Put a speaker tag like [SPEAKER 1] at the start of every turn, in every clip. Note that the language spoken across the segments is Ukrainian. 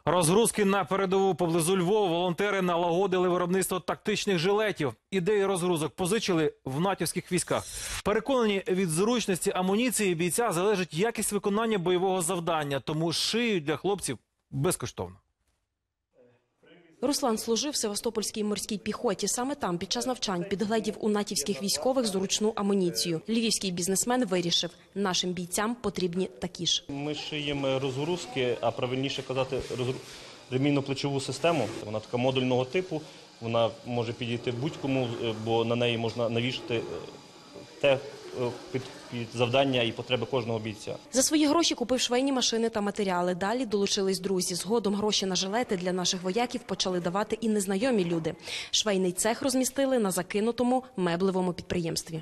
[SPEAKER 1] Розгрузки на передову поблизу Львова. Волонтери налагодили виробництво тактичних жилетів. Ідеї розгрузок позичили в натівських військах. Переконані, від зручності амуніції бійця залежить якість виконання бойового завдання. Тому шиють для хлопців безкоштовно.
[SPEAKER 2] Руслан служив в Севастопольській морській піхоті. Саме там під час навчань підгледів у натівських військових зручну амуніцію. Львівський бізнесмен вирішив, нашим бійцям потрібні такі ж.
[SPEAKER 3] Ми шиємо розгрузки, а правильніше казати ремінно-плечову систему. Вона така модульного типу, вона може підійти будь-кому, бо на неї можна навішати те під завдання і потреби кожного бійця.
[SPEAKER 2] За свої гроші купив швейні машини та матеріали. Далі долучились друзі. Згодом гроші на жилети для наших вояків почали давати і незнайомі люди. Швейний цех розмістили на закинутому меблевому підприємстві.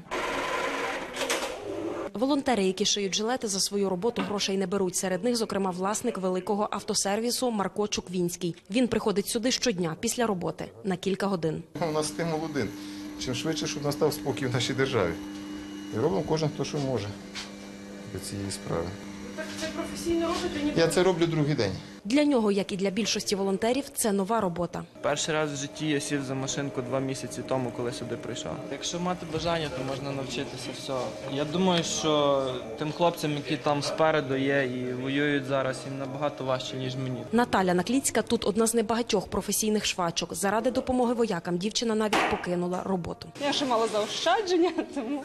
[SPEAKER 2] Волонтери, які шиють жилети, за свою роботу грошей не беруть. Серед них, зокрема, власник великого автосервісу Марко Чуквінський. Він приходить сюди щодня після роботи на кілька годин.
[SPEAKER 4] У нас стимул один. Чим швидше, щоб настав спокій в нашій державі. І робимо кожен, хто що може до цієї справи.
[SPEAKER 2] Так це професійно робите?
[SPEAKER 4] Я це роблю другий день.
[SPEAKER 2] Для нього, як і для більшості волонтерів, це нова робота.
[SPEAKER 5] Перший раз в житті я сів за машинку 2 місяці тому, коли сюди прийшов. Якщо мати бажання, то можна навчитися всього. Я думаю, що тим хлопцям, які там спереду є і воюють зараз, їм набагато важче, ніж мені.
[SPEAKER 2] Наталя Накліцька тут одна з небагатьох професійних швачок. Заради допомоги воякам дівчина навіть покинула роботу.
[SPEAKER 6] Я ще мала заощадження, тому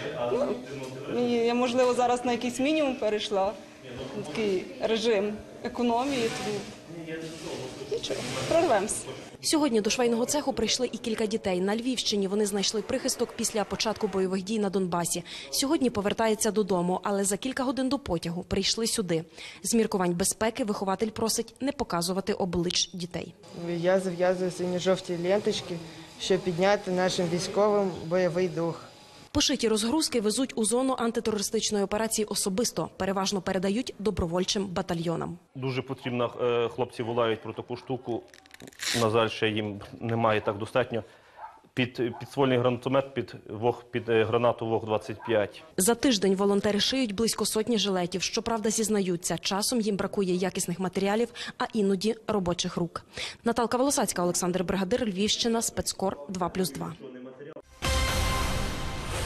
[SPEAKER 6] я, можливо, зараз на якийсь мінімум перейшла. Такий режим економії, тому нічого, прорвемося.
[SPEAKER 2] Сьогодні до швейного цеху прийшли і кілька дітей. На Львівщині вони знайшли прихисток після початку бойових дій на Донбасі. Сьогодні повертаються додому, але за кілька годин до потягу прийшли сюди. З міркувань безпеки вихователь просить не показувати облич дітей.
[SPEAKER 7] Я зав'язую синьо-жовті ленточки, щоб підняти нашим військовим бойовий дух.
[SPEAKER 2] Пошиті розгрузки везуть у зону антитерористичної операції особисто. Переважно передають добровольчим батальйонам.
[SPEAKER 3] Дуже потрібно, хлопці волають про таку штуку, на жаль, ще їм немає так достатньо. Підствольний гранатомет під гранату ВОГ-25.
[SPEAKER 2] За тиждень волонтери шиють близько сотні жилетів. Щоправда, зізнаються, часом їм бракує якісних матеріалів, а іноді робочих рук. Наталка Волосацька, Олександр Бригадир, Львівщина, Спецкор 2+2.